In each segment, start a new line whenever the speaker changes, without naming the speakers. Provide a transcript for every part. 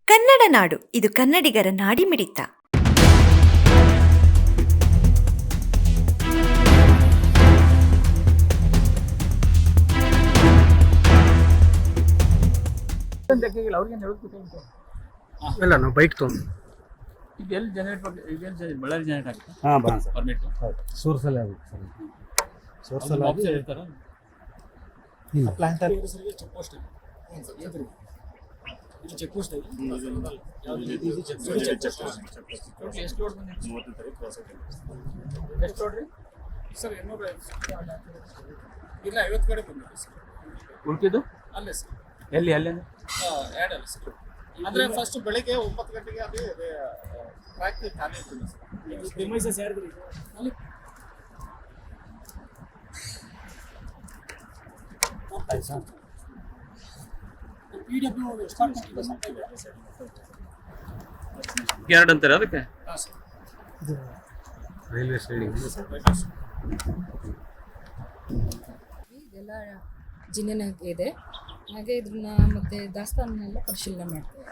ಕನ್ನಡ ನಾಡು, ಇದು ಕನ್ನಡಿಗರ ನಾಡಿಮಿಡಿತ.
ಇಲ್ಲ ನಾವು ಬೈಕ್ ತೊಗೊಂಡು
ಇದೆಲ್ಲಿ ಜನರೇಟ್ ಬಳ್ಳಾರಿ ಜನರೇಟ್ ಆಗುತ್ತೆ.
ಹಾಂ ಬಾ ಸರ್
ಪರ್ಮಿಟ್
ಸೋರ್ಸಲ್ಲೇ ಆಗುತ್ತೆ ಸರ್. ಸೋರ್ಸಲ್ಲಿ
ಆಫೀಸರ್ ಇರ್ತಾರ
ಇಲ್ಲ
ಪ್ಲಾಂಟ್ ಚೆಕ್ ಪೋಸ್ಟ್ ಇದು ಚೆಕ್ ಪೋಸ್ಟ್
ಎಷ್ಟು ಲೋಡ್ ಬಂದಿದೆ? ಎಷ್ಟು ಲೋಡ್ ರೀ
ಸರ್ 200 ಇಲ್ಲ 50 ಕಡೆ ಬಂದಿದೆ ಸರ್.
ಉಳ್ಕಿದ್ದು
ಅಲ್ಲೇ ಸರ್
ಎಲ್ಲಿ ಅಲ್ಲ
ಆ್ಯಡ್ ಅಲ್ಲ ಸರ್. ಅಂದರೆ ಫಸ್ಟ್ ಬೆಳಿಗ್ಗೆ 9 ಗಂಟೆಗೆ ಅದು ಟ್ರ್ಯಾಕ್ ಖಾಲಿ ಇರ್ತಿಲ್ಲ ಸರ್. ಪ್ರಿಮೈಸಸ್ ಯಾರಿದ್ರಿ ಅಲ್ಲಿ
ಸರ್
PW ಸ್ಟಾರ್ಟ್ ಮಾಡಿಲ್ಲ ಸರ್.
ಎರಡು ಅಂತಾರೆ ಅದಕ್ಕೆ.
ಹಾಂ ಸರ್
ರೈಲ್ವೆ ಸೈಡಿಂಗ್
ಇದೆಲ್ಲ ಜಿನ್ನೆನಾಗೆ ಇದೆ. ಹಾಗೆ ಇದನ್ನ ಮತ್ತೆ ದಾಸ್ತಾನನ್ನೆಲ್ಲ ಪರಿಶೀಲನೆ ಮಾಡ್ತೇವೆ.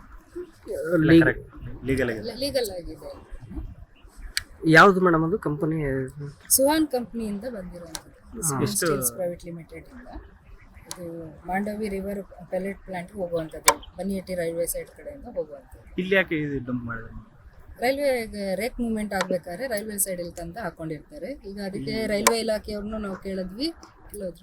ಲೀಗಲ್ ಆಗಿದೆ.
ಯಾವುದು ಮೇಡಮ್ ಅದು ಕಂಪನಿ?
ಸುಹಾನ್ ಕಂಪ್ನಿಯಿಂದ ಬಂದಿರುವಂಥದ್ದು, ಸ್ಟೀಲ್ಸ್ ಪ್ರೈವೇಟ್ ಲಿಮಿಟೆಡ್ ಇಂದ. ಇದು ಮಾಂಡವಿ ರಿವರ್ ಪೆಲೆಟ್ ಪ್ಲಾಂಟ್ಗೆ ಹೋಗುವಂಥದ್ದು, ಬನ್ನಿಹಟ್ಟಿ ರೈಲ್ವೆ ಸೈಡ್ ಕಡೆಯಿಂದ ಹೋಗುವಂಥದ್ದು.
ಇಲ್ಲಿ ಯಾಕೆ ಡಂಪ್ ಮಾಡಿದ್ರೆ?
ರೈಲ್ವೆ ರೇಕ್ ಮೂವ್ಮೆಂಟ್ ಆಗ್ಬೇಕಾದ್ರೆ ರೈಲ್ವೆ ಸೈಡಲ್ಲಿ ತಂದು ಹಾಕೊಂಡಿರ್ತಾರೆ. ಈಗ ಅದಕ್ಕೆ ರೈಲ್ವೆ ಇಲಾಖೆಯವ್ರನ್ನೂ ನಾವು ಕೇಳಿದ್ವಿ, ಕೇಳಿದ್ರು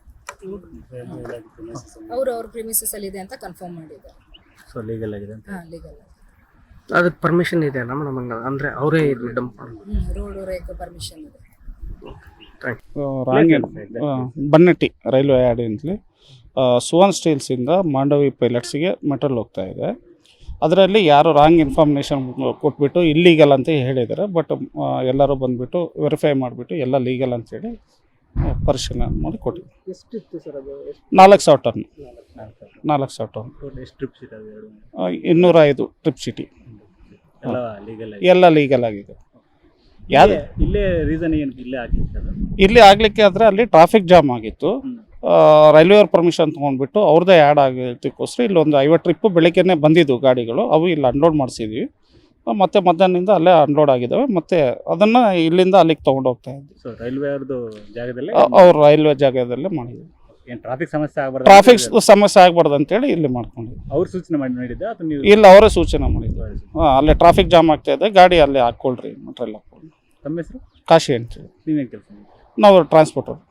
ಅವ್ರ ಪ್ರಿಮಿಸಸ್ ಅಲ್ಲಿ ಇದೆ ಅಂತ ಕನ್ಫರ್ಮ್ ಮಾಡಿದ್ದಾರೆ.
ಸೊ ಲೀಗಲ್ ಆಗಿದೆ ಅಂತ.
ಹಾಂ, ಲೀಗಲ್.
ಅದಕ್ಕೆ ಪರ್ಮಿಷನ್ ಇದೆ ನಮ್ಮ ನಮಗೆ, ಅಂದರೆ ಅವರೇ ಇದು ಡಂಪ್
ರೋಡ್ ರೇಕ್ ಪರ್ಮಿಷನ್ ಇದೆ.
ಬನ್ನಟ್ಟಿ ರೈಲ್ವೆ ಯಾರ್ಡ್ ಅಂತಲಿ ಸುವರ್ಣ ಸ್ಟೀಲ್ಸಿಂದ ಮಾಂಡವಿ ಪೈಲಟ್ಸ್ಗೆ ಮೆಟಲ್ ಹೋಗ್ತಾ ಇದೆ. ಅದರಲ್ಲಿ ಯಾರು ರಾಂಗ್ ಇನ್ಫಾರ್ಮೇಷನ್ ಕೊಟ್ಬಿಟ್ಟು ಇಲ್ಲೀಗಲ್ ಅಂತ ಹೇಳಿದ್ದಾರೆ. ಬಟ್ ಎಲ್ಲರೂ ಬಂದುಬಿಟ್ಟು ವೆರಿಫೈ ಮಾಡಿಬಿಟ್ಟು ಎಲ್ಲ ಲೀಗಲ್ ಅಂತೇಳಿ ಪರಿಶೀಲನೆ ಮಾಡಿ ಕೊಟ್ಟಿವಿ.
ಎಷ್ಟಿತ್ತು ಸರ್ ಅದು?
4,000 ಟನ್ 4,000 ಟನ್
ಎಷ್ಟು ಟ್ರಿಪ್ ಶೀಟ್ ಅದು?
205 ಟ್ರಿಪ್ ಸಿಟಿ ಎಲ್ಲ ಲೀಗಲ್ ಆಗಿದೆ. ಯಾರು
ಇಲ್ಲೇ ರೀಸನ್ ಏನು ಇಲ್ಲೇ ಆಗ್ಲಿಕ್ಕೆ ಅದು?
ಇಲ್ಲಿ ಆಗಲಿಕ್ಕೆ ಆದರೆ ಅಲ್ಲಿ ಟ್ರಾಫಿಕ್ ಜಾಮ್ ಆಗಿತ್ತು. ರೈಲ್ವೆ ಅವ್ರ ಪರ್ಮಿಷನ್ ತೊಗೊಂಡ್ಬಿಟ್ಟು ಅವ್ರದ್ದೇ ಆ್ಯಡ್ ಆಗಿದ್ದಕ್ಕೋಸ್ಕರ ಇಲ್ಲೊಂದು 50 ಟ್ರಿಪ್ಪು ಬೆಳಗ್ಗೆನೇ ಬಂದಿದ್ದು ಗಾಡಿಗಳು. ಅವು ಇಲ್ಲಿ ಅನ್ಲೋಡ್ ಮಾಡಿಸಿದ್ವಿ. ಮತ್ತೆ ಮಧ್ಯಾಹ್ನದಿಂದ ಅಲ್ಲೇ ಅನ್ಲೋಡ್ ಆಗಿದ್ದಾವೆ. ಮತ್ತೆ ಅದನ್ನು ಇಲ್ಲಿಂದ ಅಲ್ಲಿಗೆ ತೊಗೊಂಡು ಹೋಗ್ತಾ ಇದ್ವಿ.
ಸೊ ರೈಲ್ವೆ ಅವ್ರದ್ದು ಜಾಗದಲ್ಲಿ
ಅವ್ರು ರೈಲ್ವೆ ಜಾಗದಲ್ಲೇ ಮಾಡಿದ್ವಿ.
ಏನು ಟ್ರಾಫಿಕ್ ಸಮಸ್ಯೆ ಆಗಬಾರ್ದು?
ಟ್ರಾಫಿಕ್ ಸಮಸ್ಯೆ ಆಗಬಾರ್ದು ಅಂತೇಳಿ ಇಲ್ಲಿ ಮಾಡ್ಕೊಂಡಿದ್ವಿ.
ಅವ್ರು ಸೂಚನೆ ಮಾಡಿ ಮಾಡಿದ್ದೆ ಅಥವಾ ನೀವು?
ಇಲ್ಲ, ಅವರೇ ಸೂಚನೆ ಮಾಡಿದ್ರು. ಅಲ್ಲೇ ಟ್ರಾಫಿಕ್ ಜಾಮ್ ಆಗ್ತಾ ಇದೆ, ಗಾಡಿ ಅಲ್ಲೇ ಹಾಕ್ಕೊಳ್ರಿ, ಮಟ್ರೆಲ್ಲ ಹಾಕ್ಕೊಳ್ಳಿ.
ತಮ್ಮ ಹೆಸರು?
ಕಾಶಿ ಅಂತೇಳಿ.
ನೀವೇನು ಕೆಲಸ?
ನಾವು ಟ್ರಾನ್ಸ್ಪೋರ್ಟರ್.